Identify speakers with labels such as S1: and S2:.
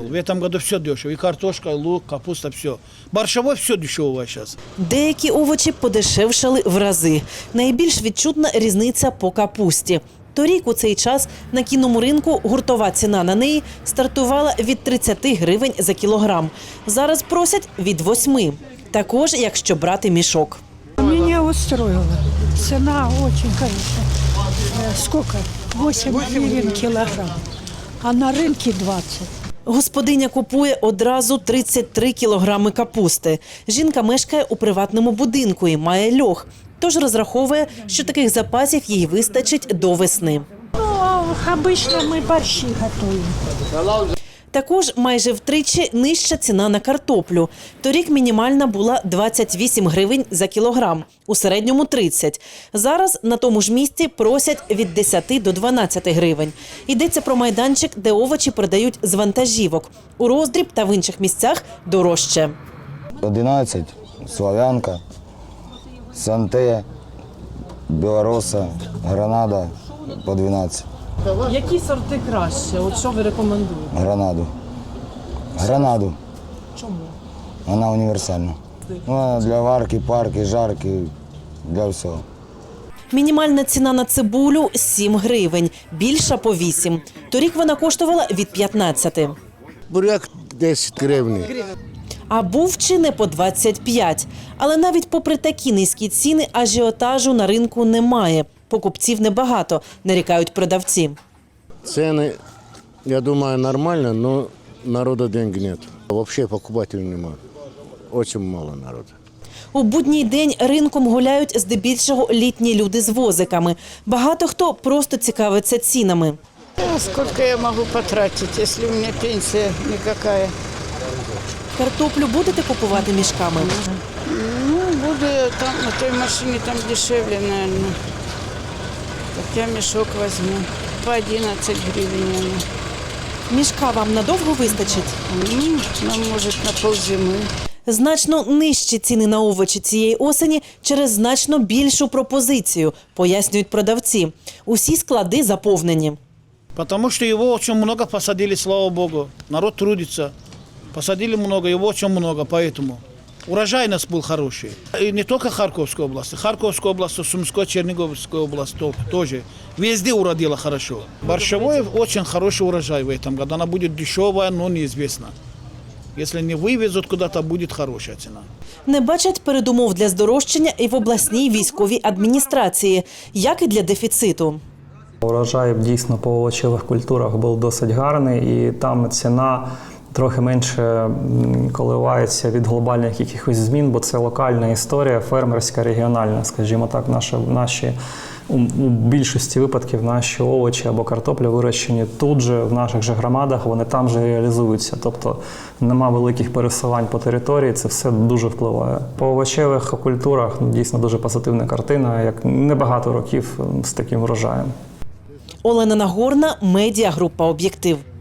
S1: В этом году все дешево. И картошка, и лук, капуста, все. Борщевой все дешевое сейчас.
S2: Деякі овочі подешевшали в рази. Найбільш відчутна різниця по капусті. Торік у цей час на кінному ринку гуртова ціна на неї стартувала від 30 гривень за кілограм. Зараз просять від 8. Також, якщо брати мішок.
S3: Меня устроила. Цена очень, конечно. Сколько? 8 гривен килограмм. А на рынке 20.
S2: Господиня купує одразу 33 кілограми капусти. Жінка мешкає у приватному будинку і має льох. Тож розраховує, що таких запасів їй вистачить до весни.
S3: Ну, обычно мы борщи готовим.
S2: Також майже втричі нижча ціна на картоплю. Торік мінімальна була 28 гривень за кілограм, у середньому 30. Зараз на тому ж місці просять від 10 до 12 гривень. Йдеться про майданчик, де овочі продають з вантажівок. У Роздріб та в інших місцях дорожче.
S4: 11, Славянка, Санте, Білороса, Гранада по 12.
S5: Які сорти краще? От що ви рекомендуєте?
S4: Гранаду.
S5: Чому?
S4: Вона універсальна. Вона для варки, парки, жарки, для всього.
S2: Мінімальна ціна на цибулю – 7 гривень, більша – по 8. Торік вона коштувала від 15.
S6: Буряк 10 гривень.
S2: А був чи не по 25. Але навіть попри такі низькі ціни ажіотажу на ринку немає. Покупців небагато, нарікають продавці.
S6: Ціни, я думаю, нормально, але народу денег нет. Взагалі покупателів немає. Дуже мало народу.
S2: У будній день ринком гуляють здебільшого літні люди з возиками. Багато хто просто цікавиться цінами.
S7: Сколько я могу потратить, если у меня пенсия никакая?
S2: Картоплю будете купувати мішками?
S7: Ну, буду там, на той машине там дешевле, наверное. Так я мешок возьму. По 11 гривен. наверное.
S2: Мішка вам надовго вистачить?
S7: Нам может на ползимы.
S2: Значно нижчі ціни на овочі цієї осені через значно більшу пропозицію, пояснюють продавці. Усі склади заповнені.
S1: Потому что его очень много посадили, слава богу. Народ трудится. Посадили много, его очень много, поэтому. Урожайность был хороший. И не только Харьковской области. Харьковская область, Сумская, Черниговская область тоже. Везде уродило хорошо. Борщевой очень хороший урожай в этом году. Она будет дешевая, но неизвестно. Если не вывезут куда-то, будет хорошая цена.
S2: Не бачать передумов для здорожчання і в обласній військовій адміністрації, як і для дефіциту.
S8: Урожай дійсно по овочевих культурах був досить гарний, і там ціна трохи менше коливається від глобальних якихось змін, бо це локальна історія, фермерська, регіональна, скажімо так, у більшості випадків наші овочі або картопля вирощені тут же, в наших же громадах, вони там же реалізуються. Тобто нема великих пересувань по території, це все дуже впливає. По овочевих культурах дійсно дуже позитивна картина, як небагато років з таким врожаєм.
S2: Олена Нагорна, медіагрупа «Об'єктив».